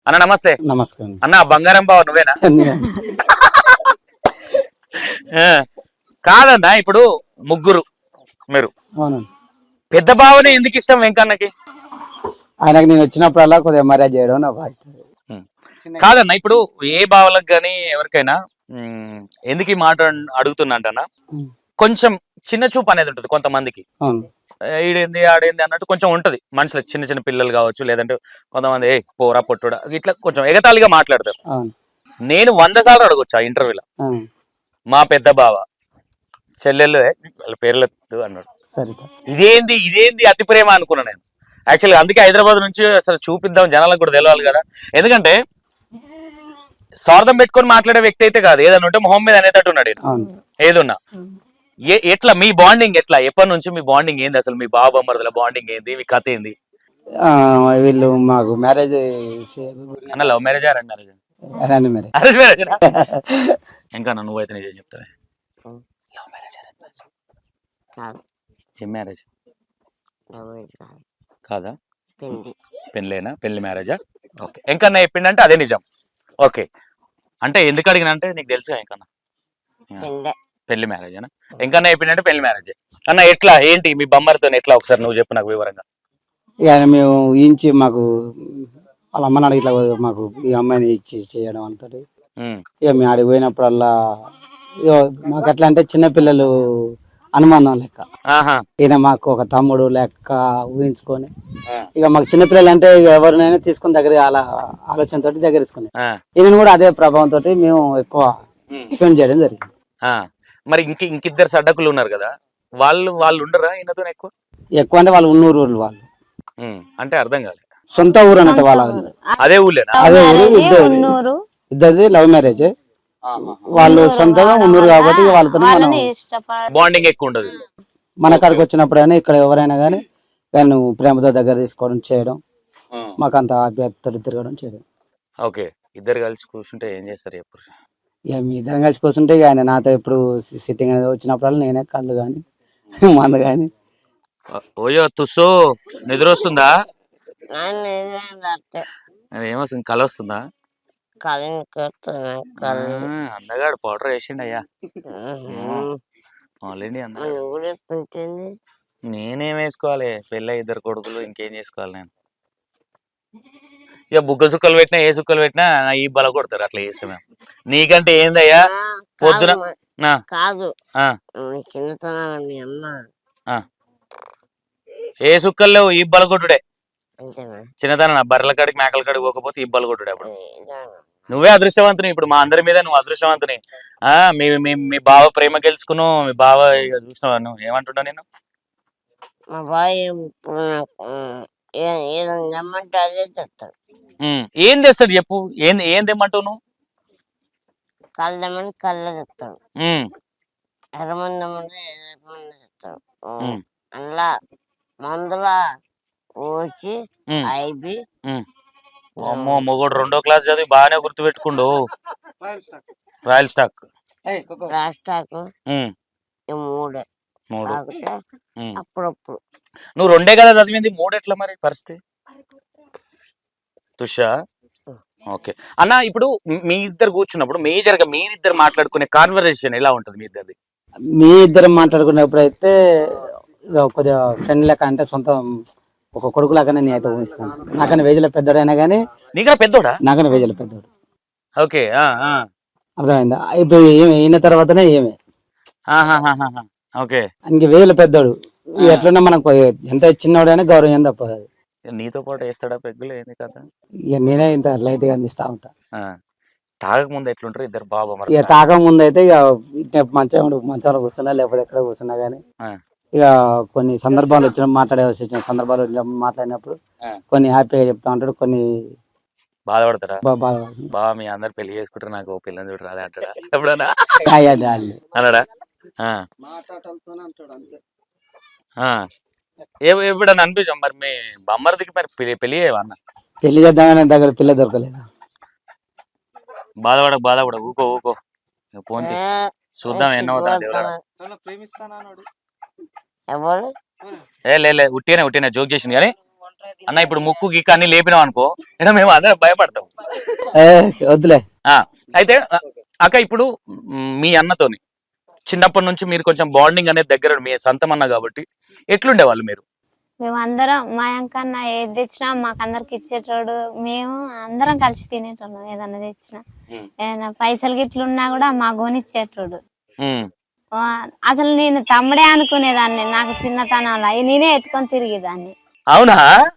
అన్న నమస్తే. నమస్కారం. అన్న బంగారం బావ నువ్వేనా? ఆ, కాదన్న ఇప్పుడు ముగ్గురు మీరు అవునండి. పెద్ద బావనే ఎందుకు ఇష్టం వెంకన్నకి? ఆయనకు నేను వచ్చినప్పుడల్లా కొద్దిగా మర్యాద చేయడం నా బాధ్యత. ఉమ్. కాదన్న ఇప్పుడు ఏ బావలకు గాని ఎవరికైనా ఎందుకు ఈ మాట అడుగుతున్నా ఉమ్. కొంచెం చిన్న చూపు అనేది ఉంటుంది కొంతమందికి. అవును. ఈడేంది ఆడేంది అన్నట్టు కొంచెం ఉంటది మనుషులకు, చిన్న చిన్న పిల్లలు కావచ్చు, లేదంటే కొంతమంది ఏ పోరా పొట్టుడా ఇట్లా కొంచెం ఎగతాళిగా మాట్లాడతారు. అవును. నేను 100 సార్లు అడగొచ్చు ఆ ఇంటర్వ్యూలో, అవును. మా పెద్ద బావ చెల్లెళ్ళు వాళ్ళ పేర్లెత్తు అన్నాడు. సరే. ఇదేంది ఇదేంది అతి ప్రేమ అనుకున్నా నేను యాక్చువల్గా. అందుకే హైదరాబాద్ నుంచి అసలు చూపిద్దాం జనాలకు కూడా తెలవాలి కదా. ఎందుకంటే స్వార్థం పెట్టుకొని మాట్లాడే వ్యక్తి అయితే కాదు, ఏదన్నా ఉంటే మొహం మీద అనేటట్టు ఉన్నాడు. అవును. ఏదున్నా ఎట్లా మీ బాండింగ్ ఎట్లా, ఎప్పటి నుంచి మీ బాండింగ్ ఏంది అసలు, మీ బావ మరదల బాండింగ్ ఏంది, మీ కథ ఏంది? వీళ్ళు మాకు మ్యారేజ్ అన్న love marriage arrange marriage? Arrange marriage. Arrange marriage. ఇంకా నువ్వైతే నిజం చెప్తావే, లవ్ మ్యారేజ్ అరేంజ్ మ్యారేజ్ ఏం మ్యారేజ్ కాదా? పెళ్ళేనా? పెళ్లి మ్యారేజా? ఓకే. ఎంకన్నా చెప్పిండంటే అదే నిజం. ఓకే. అంటే ఎందుకు అడిగినా అంటే నీకు తెలుసుగా ఎంకన్నా పెళ్లి మ్యారేజ్ అనా? ఎంకన్నా చెప్పిండంటే పెళ్లి మ్యారేజ్ అన్న. ఎట్లా ఏంటి మీ బొమ్మరితో ఎట్లా ఒకసారి నువ్వు చెప్పు నాకు వివరంగా. ఇక మేము ఊహించి మాకు వాళ్ళ అమ్మ నాన్న ఇట్లా మాకు ఈ అమ్మాయిని ఇచ్చి చేయడం అంతా. ఇక మేము ఆడికి పోయినప్పుడల్లా ఇక మాకు ఎట్లా అంటే చిన్నపిల్లలు అనుమానం లెక్క. ఈయన మాకు ఒక తమ్ముడు లెక్క ఊహించుకొని ఇక మాకు చిన్నపిల్లలు అంటే ఇక ఎవరినైనా తీసుకుని దగ్గర అలా ఆలోచనతో దగ్గర తీసుకుని ఈయన కూడా అదే ప్రభావంతో మేము ఎక్కువ స్పెండ్ చేయడం జరిగింది. మరి ఇంకిద్దరు సడ్డకులు ఉన్నారు కదా, వాళ్ళు ఉండరా ఈయనతో ఎక్కువ? ఎక్కువ అంటే వాళ్ళు ఉన్నూరు ఊళ్ళు వాళ్ళు. అంటే అర్థం కాలేదు. సొంత ఊరు అన్నట్టు వాళ్ళ అదే ఊళ్ళేనా? అదే ఊరు. ఇద్దరిది లవ్ మ్యారేజ్. వాళ్ళు సొంతంగా ఉన్నూరు కాబట్టి వాళ్ళతో బాండింగ్ ఎక్కువ ఉండదు. మన కాడికి వచ్చినప్పుడైనా ఇక్కడ ఎవరైనా కానీ నువ్వు ప్రేమతో దగ్గర తీసుకోవడం చేయడం మాకు అంత ఆప్యాయతతో తిరగడం చేయడం. ఓకే. ఇద్దరు కలిసి కూర్చుంటే ఏం చేస్తారు ఎప్పుడు? ఇక మీ ఇద్దరం కలిసి కూర్చుంటే ఇక ఆయన నాతో ఎప్పుడు సిట్టింగ్ అనేది వచ్చినప్పుడు నేనే కళ్ళు కానీ మందు కానీ. ఓయో తుస్సు నిద్ర వస్తుందా? ఏమొస్తుంది, కళ వస్తుందా? అందగాడు పౌడర్ వేసిండు అయ్యా ఆల్రెడీ. నేనేం వేసుకోవాలి, పెళ్ళి ఇద్దరు కొడుకులు, ఇంకేం చేసుకోవాలి నేను? ఇక బుగ్గ సుక్కలు పెట్టినా ఏ సుక్కలు పెట్టినా ఈ బల కొడతారు, అట్లా చేస్తే మేము. నీకంటే ఏందయ్యా పొద్దున కాదు ఏ సుక్కలు లేవు, ఈ బల కొట్టుడే చిన్నతన. బర్రెల కాడికి మేకల కాడికి పోకపోతే ఈ బల కొట్టుడే. అప్పుడు నువ్వే అదృష్టవంతుని, ఇప్పుడు మా అందరి మీద నువ్వు అదృష్టవంతుని. మీ బావ ప్రేమ గెలుచుకున్నావు, మీ బావ చూసినావా నువ్వు ఏమంటున్నావు? నేను మా బాయ్ ఏమంటే అదే చెప్తాడు. ఏం తెస్తాడు చెప్పు, ఏం తెమ్మంటావు నువ్వు? కళ్ళమని కళ్ళ చెప్తాడు, ఎర్రమందమంటే ఎర్రమంది చెప్తాడు. అందులో మందుల వచ్చి ఐబి. అమ్మో మొగోడు 2వ క్లాస్ చదివి బాగానే గుర్తు పెట్టుకుండు. రాయల్ స్టాక్ మూడే అప్పుడప్పుడు. నువ్వు 2 కదా చదివింది, 3 ఎట్లా మరి పరిస్థితి? తుషా ఓకే అన్న. ఇప్పుడు మీ ఇద్దరు కూర్చున్నప్పుడు మేజర్ గా మీరిద్దరు మాట్లాడుకునే కాన్వర్సేషన్ ఎలా ఉంటుంది మీ ఇద్దరిది? మీ ఇద్దరు మాట్లాడుకునేప్పుడు అయితే కొద్దిగా ఫ్రెండ్ లెక్క, అంటే సొంత ఒక కొడుకు లాగానే నేను అయితే ఊహిస్తాను. నాకన్నా వేజల పెద్దోడైనా కానీ. నీకన్నా పెద్దోడా? నాకన్నా వేజల పెద్దోడు. ఓకే. అర్థమైందా? ఇప్పుడు అయిన తర్వాతనే ఏమే. ఓకే. ఇంక వేజల పెద్దోడు ఎట్లున్నా మనకు ఎంత చిన్నోడైనా గౌరవం తప్పదు. అది నీతో పాటు వేస్తాడా పెగ్గులు, ఏంది కదా? ఇక నేనే ఇంత లైట్ గా అందిస్తా ఉంటా. తాగక ముందు ఎట్లుంటారు ఇద్దరు బాబా? ఇక తాగక ముందు అయితే ఇక మంచాలు కూర్చున్నా లేకపోతే ఎక్కడ కూర్చున్నా గానీ ఇక కొన్ని సందర్భాలు వచ్చిన మాట్లాడే సందర్భాలు మాట్లాడినప్పుడు కొన్ని హ్యాపీగా చెప్తా ఉంటాడు, కొన్ని బాధపడతారా? బాబా మీ అందరు పెళ్లి చేసుకుంటారు, నాకు పిల్లని చూడు రాలే అంటాడా ఎప్పుడన్నా? అన్నాడా? ఎప్పుడన్నా అనిపించాం మరి మీ బొమ్మరదికి మరి పెళ్లి చేయవన్నా? పెళ్లి చేద్దామని దగ్గర పిల్ల దొరకలేదా? బాధపడ ఊకో పోంతి చూద్దాం ఎన్నవుతా దేవుడా. లే ఉట్టినే జోక్ చేసింది కానీ అన్న ఇప్పుడు ముక్కు గిక్కు అన్ని లేపినాం అనుకో ఇక మేము అందరం భయపడతాం. ఏ, వద్దులే. ఆ, అయితే అక్క ఇప్పుడు మీ అన్నతోని చిన్నప్పటి నుంచి మీరు కొంచెం బాండింగ్ అనేది దగ్గర మీ సొంతం అన్న కాబట్టి ఎట్లుండే వాళ్ళు మీరు? మేము అందరం మా అంకన్న ఏది తెచ్చినా మాకు అందరికి ఇచ్చేటోడు. మేము అందరం కలిసి తినేటోళ్ళం. ఏదన్నా తెచ్చినా ఏదైనా పైసలు గిట్లున్నా కూడా మా గోనిచ్చేటోడు. ఉమ్, అసలు నేను తమ్ముడే అనుకునేదాన్ని. నాకు చిన్నతనంలో నేనే ఎత్తుకొని తిరిగేదాన్ని. అవునా?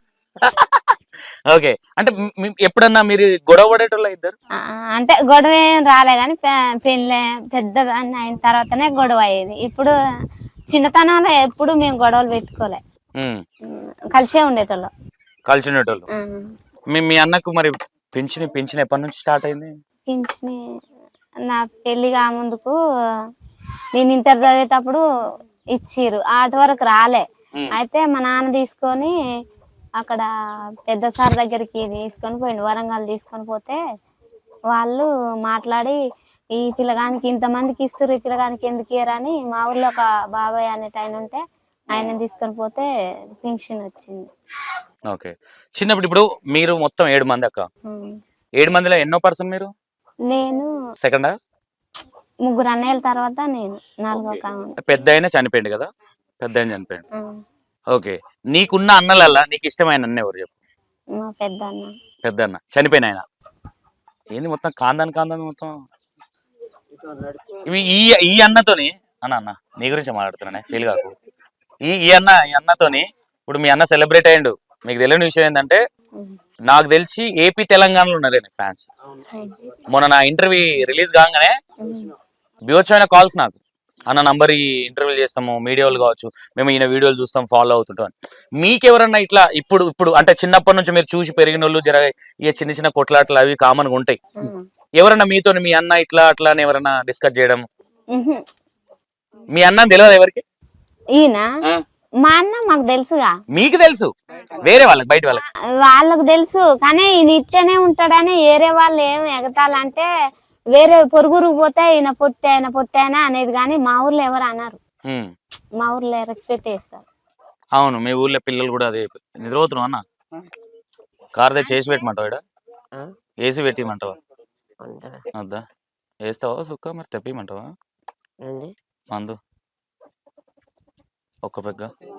ఓకే, అంటే ఎప్పుడన్నా మీరు గొడవ పడేటోళ్ళ ఇద్దరు? అంటే గొడవ ఏం రాలే గాని పెళ్ళి పెద్దదాన్ని అయిన తర్వాతనే గొడవ అయ్యేది. ఇప్పుడు చిన్నతనంలో ఎప్పుడు మేము గొడవలు పెట్టుకోలే, కలిసే ఉండేటోళ్ళం. కలిసి ఉండేటోళ్ళు. మీ అన్నకు మరి పింఛన్ ఎప్పటి నుంచి స్టార్ట్ అయింది? పింఛని నా పెళ్లి కా ముందుకు నేను ఇంటర్ చదివేటప్పుడు ఇచ్చిర్రు, ఆటి వరకు రాలే. అయితే మా నాన్న తీసుకొని అక్కడ పెద్ద సార్ దగ్గరికి తీసుకొని పోయిండు, వరంగల్ తీసుకొని పోతే వాళ్ళు మాట్లాడి ఈ పిల్లగానికి ఇంతమందికి ఇస్తారు, ఈ పిల్లగానికి ఎందుకు ఇయ్యరని మా ఊర్లో ఒక బాబాయ్ అనేట ఆయన ఉంటే ఆయన తీసుకొని పోతే పింఛన్ వచ్చింది. ఓకే, చిన్నప్పుడు ఇప్పుడు మీరు మొత్తం 7 మంది అక్క. 7 మందిలో ఎన్నో పర్సన్ మీరు? నేను సెకండా? 3 అన్నయ్యల తర్వాత నేను 4వ కాను. పెద్ద ఆయన చనిపోయింది కదా? పెద్ద ఆయన చనిపోయింది. ఓకే, నీకున్న అన్నలల్లా నీకు ఇష్టమైన అన్న ఎవరు చెప్పు? మా పెద్ద అన్న. పెద్ద అన్న చనిపోయిన ఆయన. ఏంది మొత్తం కాందాన్ మొత్తం ఈ అన్నతోని అన్న నీ గురించి మాట్లాడుతున్నా, ఫీల్ కాకు. ఈ అన్నతోని ఇప్పుడు మీ అన్న సెలబ్రేట్ అయ్యిండు. మీకు తెలియని విషయం ఏంటంటే నాకు తెలిసి ఏపీ తెలంగాణలో ఉన్నారే ఫ్యాన్స్. మొన్న నా ఇంటర్వ్యూ రిలీజ్ కాగానే బీవచ్చమైన కాల్స్ నాకు, అన్న నంబర్ ఈ ఇంటర్వ్యూలు చేస్తాము, మీడియాలు కావచ్చు, మేము ఈయన వీడియోలు చూస్తాం, ఫాలో అవుతుంటాం. మీకెవరన్నా ఇట్లా ఇప్పుడు అంటే చిన్నప్పటి నుంచి మీరు చూసి పెరిగిన వాళ్ళు జర ఇక చిన్న చిన్న కొట్లాట్లు అవి కామన్గా ఉంటాయి, ఎవరన్నా మీతో మీ అన్న ఇట్లా అట్లా అని ఎవరన్నా డిస్కస్ చేయడం? మీ అన్న తెలియదు ఎవరికి? ఈయన మా అన్న మాకు తెలుసుగా. మీకు తెలుసు, వేరే వాళ్ళకి బయట వాళ్ళకు తెలుసు, కానీ ఈయన ఇట్లనే ఉంటాడని వేరే వాళ్ళు ఏం ఎగతాలంటే వేరే పొరుగురు పోతే ఈయన పొట్టాయన అనేది, కానీ మా ఊర్లో ఎవరు అన్నారు. మా ఊర్లో రెస్పెక్ట్ చేస్తారు. అవును, మీ ఊర్లో పిల్లలు కూడా అదే నిద్రపోతున్నావు అన్న. కార్ దగ్గర చేసి పెట్టమంటావా? ఇక్కడ ఏసీ పెట్టిమంటావా? వద్దా? వేస్తావా సుక్క? మరి తెప్పిమంటావా మందు ఒక్క పెగ్గ?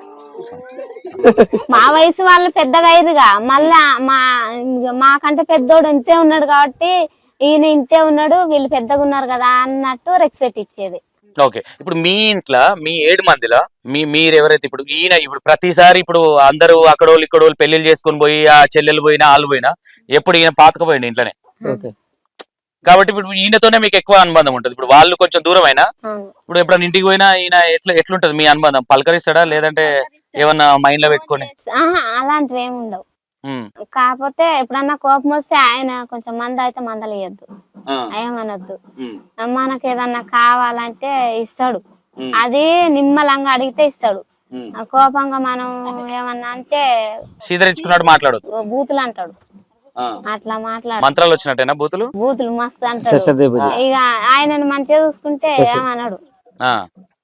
మా వయసు వాళ్ళు పెద్దగా అయ్యారుగా, మళ్ళా మాకంటే పెద్దోడు ఇంతే ఉన్నాడు కాబట్టి ఈయన ఇంతే ఉన్నాడు, వీళ్ళు పెద్దగా ఉన్నారు కదా అన్నట్టు రెస్పెక్ట్ ఇచ్చేది. ఓకే, ఇప్పుడు మీ ఇంట్లో మీ 7 మందిలో మీరు ఎవరైతే ఇప్పుడు ఈయన ఇప్పుడు ప్రతిసారి ఇప్పుడు అందరూ అక్కడోళ్ళు ఇక్కడోళ్ళు పెళ్లిళ్ళు చేసుకొని పోయి ఆ చెల్లెలు పోయినా వాళ్ళు పోయినా ఎప్పుడు ఈయన పాతకపోయింది ఇంట్లోనే కాబట్టి ఇప్పుడు ఈయనతోనే మీకు ఎక్కువ అనుబంధం ఉంటుంది. ఇప్పుడు వాళ్ళు కొంచెం దూరం అయినా ఇప్పుడు ఎప్పుడైనా ఇంటికి పోయినా ఈయన ఎట్లుంటది మీ అనుబంధం? పలకరిస్తాడా లేదంటే ఏమన్నా మైండ్ లో పెట్టుకొని? అలాంటివి ఏమి ఉండవు. కాకపోతే ఎప్పుడన్నా కోపం వస్తే ఆయన కొంచెం మంద అయితే మందలియద్దు, ఏమనొద్దు. మనకు ఏదన్నా కావాలంటే ఇస్తాడు, అది నిమ్మలంగా అడిగితే ఇస్తాడు. కోపంగా మనం ఏమన్నా అంటే సీదరించుకున్నాడు, మాట్లాడదు, బూతులు అంటాడు. అట్లా మాట్లాడు. మంత్రాలు వచ్చినట్టేనా బూతులు? బూతులు మస్తు అంటాడు. ఇక ఆయనను మంచిగా చూసుకుంటే ఏమన్నాడు.